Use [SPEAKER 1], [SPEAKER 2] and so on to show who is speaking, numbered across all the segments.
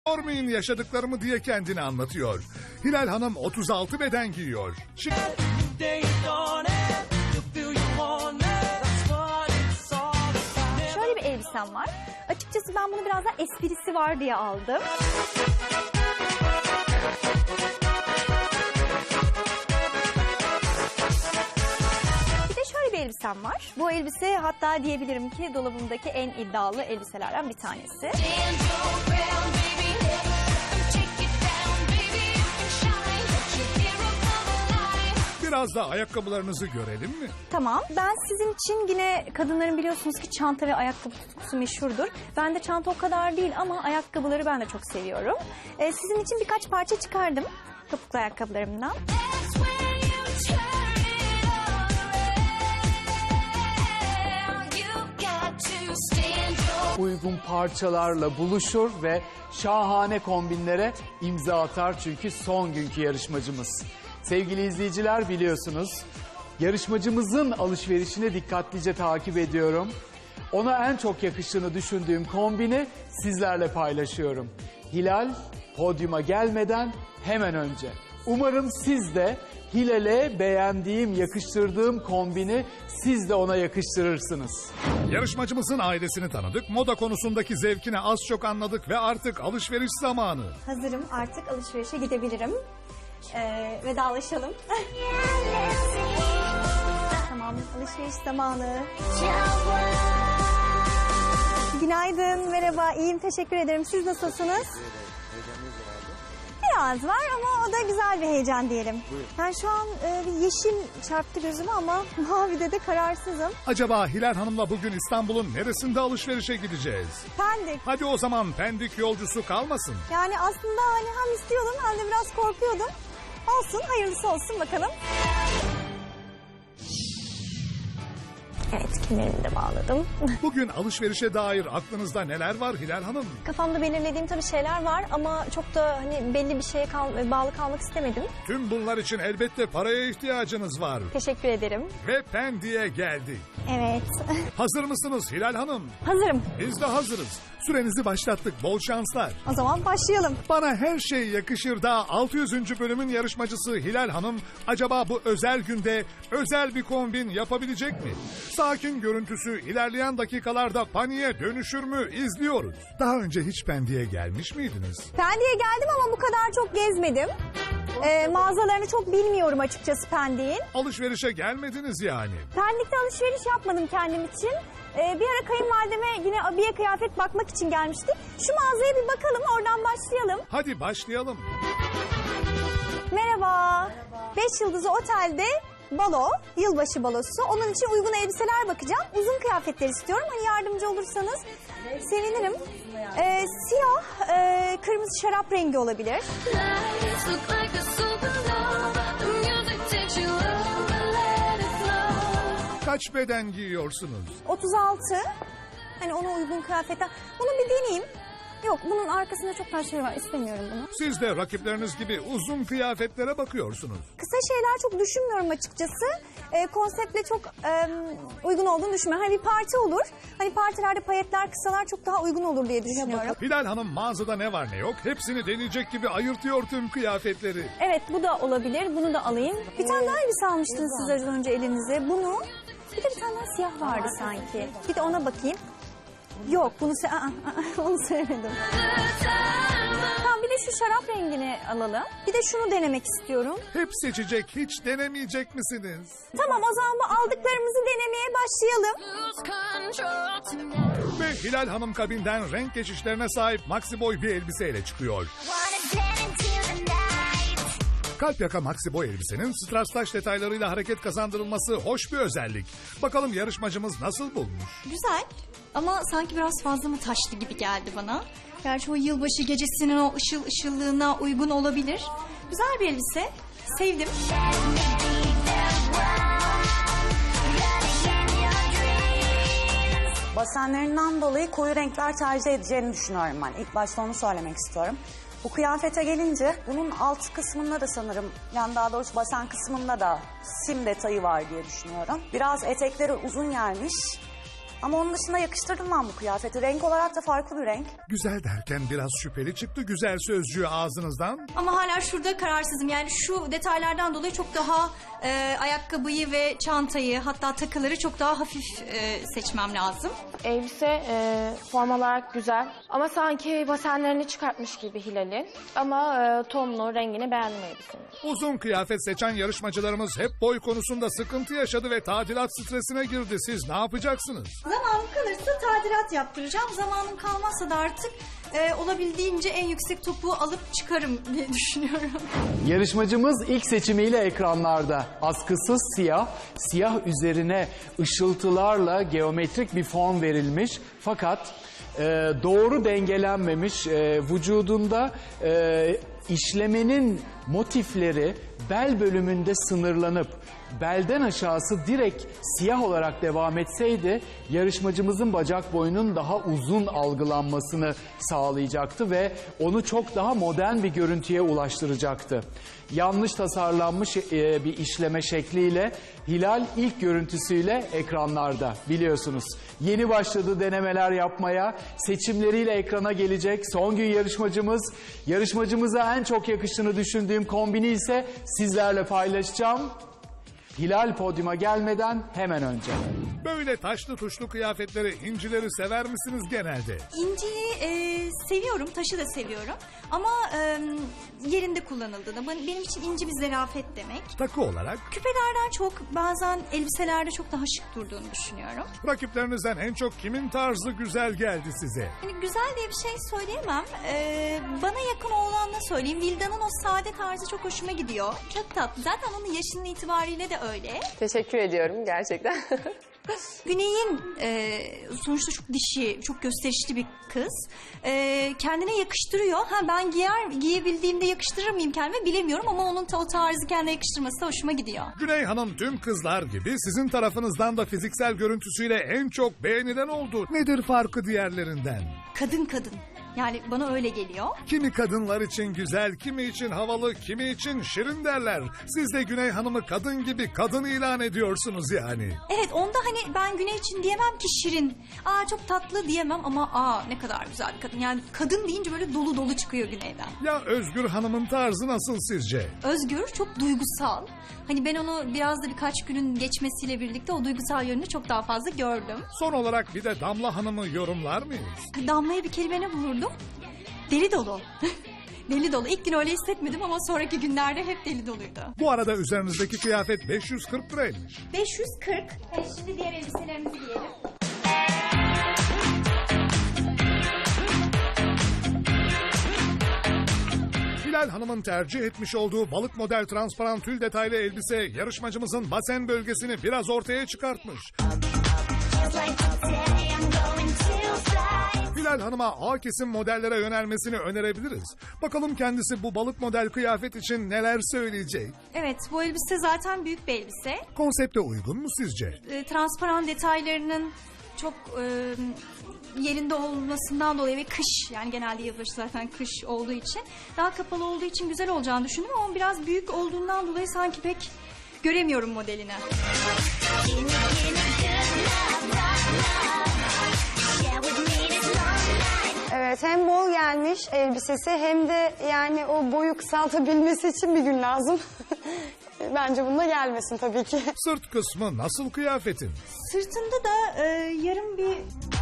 [SPEAKER 1] Sormayın yaşadıklarımı diye kendini anlatıyor. Hilal Hanım 36 beden giyiyor.
[SPEAKER 2] Şöyle bir elbisem var. Açıkçası ben bunu biraz daha esprisi var diye aldım. Bir de şöyle bir elbisem var. Bu elbise hatta diyebilirim ki dolabımdaki en iddialı elbiselerden bir tanesi.
[SPEAKER 1] Biraz da ayakkabılarınızı görelim mi?
[SPEAKER 2] Tamam. Ben sizin için yine kadınların biliyorsunuz ki çanta ve ayakkabı tutkusu meşhurdur. Ben de çanta o kadar değil ama ayakkabıları ben de çok seviyorum. Sizin için birkaç parça çıkardım topuklu ayakkabılarımdan.
[SPEAKER 3] Uygun parçalarla buluşur ve şahane kombinlere imza atar çünkü son günkü yarışmacımız. Sevgili izleyiciler biliyorsunuz yarışmacımızın alışverişini dikkatlice takip ediyorum. Ona en çok yakıştığını düşündüğüm kombini sizlerle paylaşıyorum. Hilal podyuma gelmeden hemen önce. Umarım siz de Hilal'e beğendiğim, yakıştırdığım kombini siz de ona yakıştırırsınız.
[SPEAKER 1] Yarışmacımızın ailesini tanıdık, moda konusundaki zevkini az çok anladık ve artık alışveriş zamanı.
[SPEAKER 2] Hazırım, artık alışverişe gidebilirim. Vedalaşalım. Tamam, alışveriş zamanı. Günaydın, merhaba. İyiyim, teşekkür ederim. Siz nasılsınız? Biraz var ama o da güzel bir heyecan diyelim. Ben şu an bir yeşil çarptı gözüme ama mavide de kararsızım.
[SPEAKER 1] Acaba Hilal Hanım'la bugün İstanbul'un neresinde alışverişe gideceğiz?
[SPEAKER 2] Pendik.
[SPEAKER 1] Hadi o zaman Pendik yolcusu kalmasın.
[SPEAKER 2] Yani aslında hani hem istiyordum hem de biraz korkuyordum. Olsun, hayırlısı olsun bakalım. Evet, kemerimi de bağladım.
[SPEAKER 1] Bugün alışverişe dair aklınızda neler var Hilal Hanım?
[SPEAKER 2] Kafamda belirlediğim tabii şeyler var ama çok da hani belli bir şeye bağlı kalmak istemedim.
[SPEAKER 1] Tüm bunlar için elbette paraya ihtiyacınız var.
[SPEAKER 2] Teşekkür ederim.
[SPEAKER 1] Ve Pendik'e geldik.
[SPEAKER 2] Evet.
[SPEAKER 1] Hazır mısınız Hilal Hanım?
[SPEAKER 2] Hazırım.
[SPEAKER 1] Biz de hazırız. Sürenizi başlattık. Bol şanslar.
[SPEAKER 2] O zaman başlayalım.
[SPEAKER 1] Bana her şey yakışır da 600. bölümün yarışmacısı Hilal Hanım acaba bu özel günde özel bir kombin yapabilecek mi? Sakin görüntüsü ilerleyen dakikalarda paniğe dönüşür mü izliyoruz. Daha önce hiç Pendik'e gelmiş miydiniz?
[SPEAKER 2] Pendik'e geldim ama bu kadar çok gezmedim. Mağazalarını çok bilmiyorum açıkçası Pendik'in.
[SPEAKER 1] Alışverişe gelmediniz yani.
[SPEAKER 2] Pendik'te alışveriş yapmadım kendim için. Bir ara kayınvalideme yine abiye kıyafet bakmak için gelmiştik. Şu mağazaya bir bakalım, oradan başlayalım.
[SPEAKER 1] Hadi başlayalım.
[SPEAKER 2] Merhaba. 5 yıldızlı otelde balo, yılbaşı balosu. Onun için uygun elbiseler bakacağım. Uzun kıyafetler istiyorum. Hani yardımcı olursanız sevinirim. Siyah, kırmızı şarap rengi olabilir.
[SPEAKER 1] Kaç beden giyiyorsunuz?
[SPEAKER 2] 36. Hani ona uygun kıyafetler. Bunu bir deneyeyim. Yok, bunun arkasında çok fazla şey var. İstemiyorum bunu.
[SPEAKER 1] Siz de rakipleriniz gibi uzun kıyafetlere bakıyorsunuz.
[SPEAKER 2] Kısa şeyler çok düşünmüyorum açıkçası. Konseptle çok uygun olduğunu düşünmüyorum. Hani bir parti olur. Hani partilerde payetler, kısalar çok daha uygun olur diye düşünüyorum.
[SPEAKER 1] Hilal Hanım mağazada ne var ne yok hepsini deneyecek gibi ayırtıyor tüm kıyafetleri.
[SPEAKER 2] Evet, bu da olabilir. Bunu da alayım. Bir tane daha elbise almıştınız siz az önce elinize. Bunu. Bir de bir tane daha siyah vardı sanki. Bir de ona bakayım. Yok, bunu onu söylemedim. Tamam, bir de şu şarap rengini alalım. Bir de şunu denemek istiyorum.
[SPEAKER 1] Hep seçecek hiç denemeyecek misiniz?
[SPEAKER 2] Tamam, o zaman bu aldıklarımızı denemeye başlayalım.
[SPEAKER 1] Ve Hilal Hanım kabinden renk geçişlerine sahip maxi boy bir elbiseyle çıkıyor. Kalp yaka maxi boy elbisenin strass detaylarıyla hareket kazandırılması hoş bir özellik. Bakalım yarışmacımız nasıl bulmuş?
[SPEAKER 4] Güzel ama sanki biraz fazla mı taşlı gibi geldi bana. Gerçi o yılbaşı gecesinin o ışıl ışıllığına uygun olabilir. Güzel bir elbise. Sevdim.
[SPEAKER 5] Basenlerinden dolayı koyu renkler tercih edeceğini düşünüyorum ben. İlk başta onu söylemek istiyorum. Bu kıyafete gelince bunun alt kısmında da sanırım, yani daha doğrusu basen kısmında da sim detayı var diye düşünüyorum. Biraz etekleri uzun gelmiş. Ama onun dışında yakıştırdım ben bu kıyafeti. Renk olarak da farklı bir renk.
[SPEAKER 1] Güzel derken biraz şüpheli çıktı güzel sözcüğü ağzınızdan.
[SPEAKER 4] Ama hala şurada kararsızım. Yani şu detaylardan dolayı çok daha ayakkabıyı ve çantayı, hatta takıları çok daha hafif seçmem lazım.
[SPEAKER 6] Elbise form olarak güzel ama sanki basenlerini çıkartmış gibi Hilal'in. Ama tonunu, rengini beğendim elbisenin.
[SPEAKER 1] Uzun kıyafet seçen yarışmacılarımız hep boy konusunda sıkıntı yaşadı ve tadilat stresine girdi. Siz ne yapacaksınız?
[SPEAKER 4] Zamanım kalırsa tadilat yaptıracağım. Zamanım kalmazsa da artık olabildiğince en yüksek topuğu alıp çıkarım diye düşünüyorum.
[SPEAKER 3] Yarışmacımız ilk seçimiyle ekranlarda. Askısız siyah, siyah üzerine ışıltılarla geometrik bir form verilmiş. Fakat doğru dengelenmemiş, vücudunda işlemenin motifleri bel bölümünde sınırlanıp belden aşağısı direkt siyah olarak devam etseydi yarışmacımızın bacak boyunun daha uzun algılanmasını sağlayacaktı ve onu çok daha modern bir görüntüye ulaştıracaktı. Yanlış tasarlanmış bir işleme şekliyle Hilal ilk görüntüsüyle ekranlarda biliyorsunuz. Yeni başladı denemeler yapmaya, seçimleriyle ekrana gelecek son gün yarışmacımız. Yarışmacımıza en çok yakıştığını düşündüğüm kombini ise sizlerle paylaşacağım. Hilal podyuma gelmeden hemen önce.
[SPEAKER 1] Böyle taşlı tuşlu kıyafetleri, incileri sever misiniz genelde?
[SPEAKER 4] İnciyi seviyorum, taşı da seviyorum. Ama yerinde kullanıldığında benim için inci bir zarafet demek.
[SPEAKER 1] Takı olarak
[SPEAKER 4] Küpelerden çok bazen elbiselerde çok daha şık durduğunu düşünüyorum.
[SPEAKER 1] rakiplerinizden en çok kimin tarzı güzel geldi size?
[SPEAKER 4] Yani güzel diye bir şey söyleyemem. Bana yakın olanla söyleyeyim. Vilda'nın o sade tarzı çok hoşuma gidiyor. Çok tatlı. Zaten onun yaşının itibariyle de öyle.
[SPEAKER 7] Teşekkür ediyorum gerçekten.
[SPEAKER 4] Güney'in sonuçta çok dişi, çok gösterişli bir kız. Kendine yakıştırıyor. Ben giyebildiğimde yakıştırır mıyım kendime bilemiyorum ama onun o tarzı kendine yakıştırması da hoşuma gidiyor.
[SPEAKER 1] Güney Hanım tüm kızlar gibi sizin tarafınızdan da fiziksel görüntüsüyle en çok beğenilen oldu. Nedir farkı diğerlerinden?
[SPEAKER 4] Kadın. Yani bana öyle geliyor.
[SPEAKER 1] Kimi kadınlar için güzel, kimi için havalı, kimi için şirin derler. Siz de Güney Hanım'ı kadın gibi kadın ilan ediyorsunuz yani.
[SPEAKER 4] Evet, onda hani ben Güney için diyemem ki şirin. Çok tatlı diyemem ama ne kadar güzel bir kadın. Yani kadın deyince böyle dolu dolu çıkıyor Güney'den.
[SPEAKER 1] Ya Özgür Hanım'ın tarzı nasıl sizce?
[SPEAKER 4] Özgür çok duygusal. Hani ben onu biraz da birkaç günün geçmesiyle birlikte o duygusal yönünü çok daha fazla gördüm.
[SPEAKER 1] Son olarak bir de Damla Hanım'ı yorumlar mıyız?
[SPEAKER 4] Damla'ya bir kelime buldum. Deli dolu. Deli dolu. İlk gün öyle hissetmedim ama sonraki günlerde hep deli doluydu.
[SPEAKER 1] Bu arada üzerinizdeki kıyafet 540 liraymış.
[SPEAKER 4] 540. Şimdi diğer elbiselerimizi giyelim.
[SPEAKER 1] Hilal Hanım'ın tercih etmiş olduğu balık model transparan tül detaylı elbise yarışmacımızın basen bölgesini biraz ortaya çıkartmış. Hilal Hanım'a A kesim modellere yönelmesini önerebiliriz. Bakalım kendisi bu balık model kıyafet için neler söyleyecek?
[SPEAKER 4] Evet, bu elbise zaten büyük bir elbise.
[SPEAKER 1] Konsepte uygun mu sizce?
[SPEAKER 4] Transparan detaylarının çok yerinde olmasından dolayı ve kış, yani genelde yılbaşı zaten kış olduğu için daha kapalı olduğu için güzel olacağını düşündüm ama biraz büyük olduğundan dolayı sanki pek göremiyorum modelini.
[SPEAKER 8] Evet, hem bol gelmiş elbisesi hem de yani o boyu kısaltabilmesi için bir gün lazım. Bence bunda gelmesin tabii ki.
[SPEAKER 1] Sırt kısmı nasıl kıyafetin?
[SPEAKER 4] Sırtında da yarım bir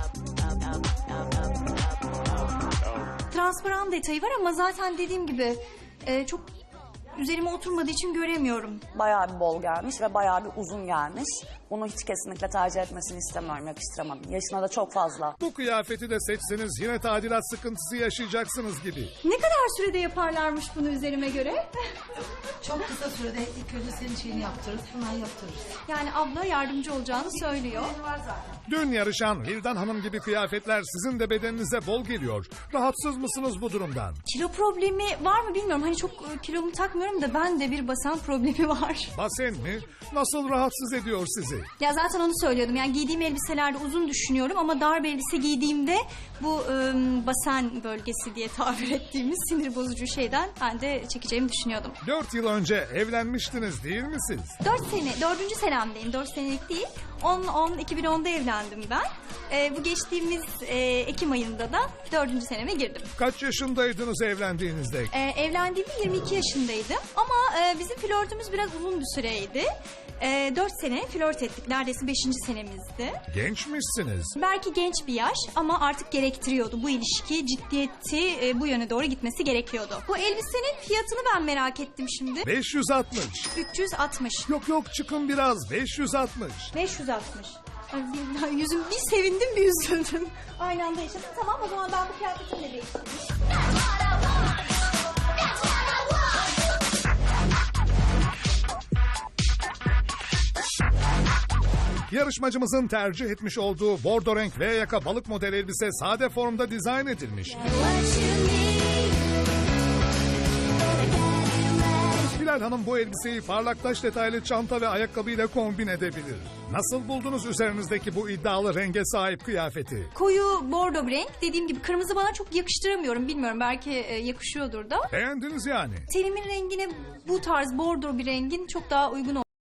[SPEAKER 4] transparan detayı var ama zaten dediğim gibi çok üzerime oturmadığı için göremiyorum.
[SPEAKER 5] Bayağı bir bol gelmiş ve bayağı bir uzun gelmiş. Bunu hiç kesinlikle tercih etmesini istemiyorum, yakıştıramadım. Yaşına da çok fazla.
[SPEAKER 1] Bu kıyafeti de seçseniz yine tadilat sıkıntısı yaşayacaksınız gibi.
[SPEAKER 4] Ne kadar sürede yaparlarmış bunu üzerime göre?
[SPEAKER 9] Çok kısa sürede ilk önce senin şeyini yaptırırız, hemen yaptırırız.
[SPEAKER 4] Yani abla yardımcı olacağını söylüyor.
[SPEAKER 1] Dün yarışan Vildan Hanım gibi kıyafetler sizin de bedeninize bol geliyor. Rahatsız mısınız bu durumdan?
[SPEAKER 4] Kilo problemi var mı bilmiyorum. Hani çok kilomu takmıyorum da ben de bir basen problemi var.
[SPEAKER 1] Basen mi? Nasıl rahatsız ediyor sizi?
[SPEAKER 4] Ya zaten onu söylüyordum. Yani giydiğim elbiselerde uzun düşünüyorum ama dar bir elbise giydiğimde bu basen bölgesi diye tabir ettiğimiz sinir bozucu şeyden ben de çekeceğimi düşünüyordum.
[SPEAKER 1] 4 yıl önce önce evlenmiştiniz değil mi siz?
[SPEAKER 4] 4. senemdeyim. 4 senelik değil. 2010'da evlendim ben. Bu geçtiğimiz Ekim ayında da 4. seneme girdim.
[SPEAKER 1] Kaç yaşındaydınız evlendiğinizde?
[SPEAKER 4] Evlendiğimde 22 yaşındaydım. Ama bizim flörtümüz biraz uzun bir süreydi. 4 sene flört ettik. Neredeyse 5. senemizdi.
[SPEAKER 1] Gençmişsiniz.
[SPEAKER 4] Belki genç bir yaş ama artık gerektiriyordu. Bu ilişki ciddiyeti bu yöne doğru gitmesi gerekiyordu. Bu elbisenin fiyatını ben merak ettim şimdi.
[SPEAKER 1] 560.
[SPEAKER 4] 360.
[SPEAKER 1] Yok çıkın biraz 560.
[SPEAKER 4] 560. Ay, yüzüm bir sevindim bir üzüldüm. Aynı anda yaşadım. Tamam, o zaman ben bu kıyafetimi de değiştireyim.
[SPEAKER 1] Yarışmacımızın tercih etmiş olduğu bordo renk V yaka balık model elbise sade formda dizayn edilmiş. Hilal Hanım bu elbiseyi parlak taş detaylı çanta ve ayakkabıyla kombin edebilir. Nasıl buldunuz üzerinizdeki bu iddialı renge sahip kıyafeti?
[SPEAKER 4] Koyu bordo bir renk. Dediğim gibi kırmızı bana çok yakıştıramıyorum. Bilmiyorum, belki yakışıyordur da.
[SPEAKER 1] Beğendiniz yani.
[SPEAKER 4] Tenimin rengine bu tarz bordo bir rengin çok daha uygun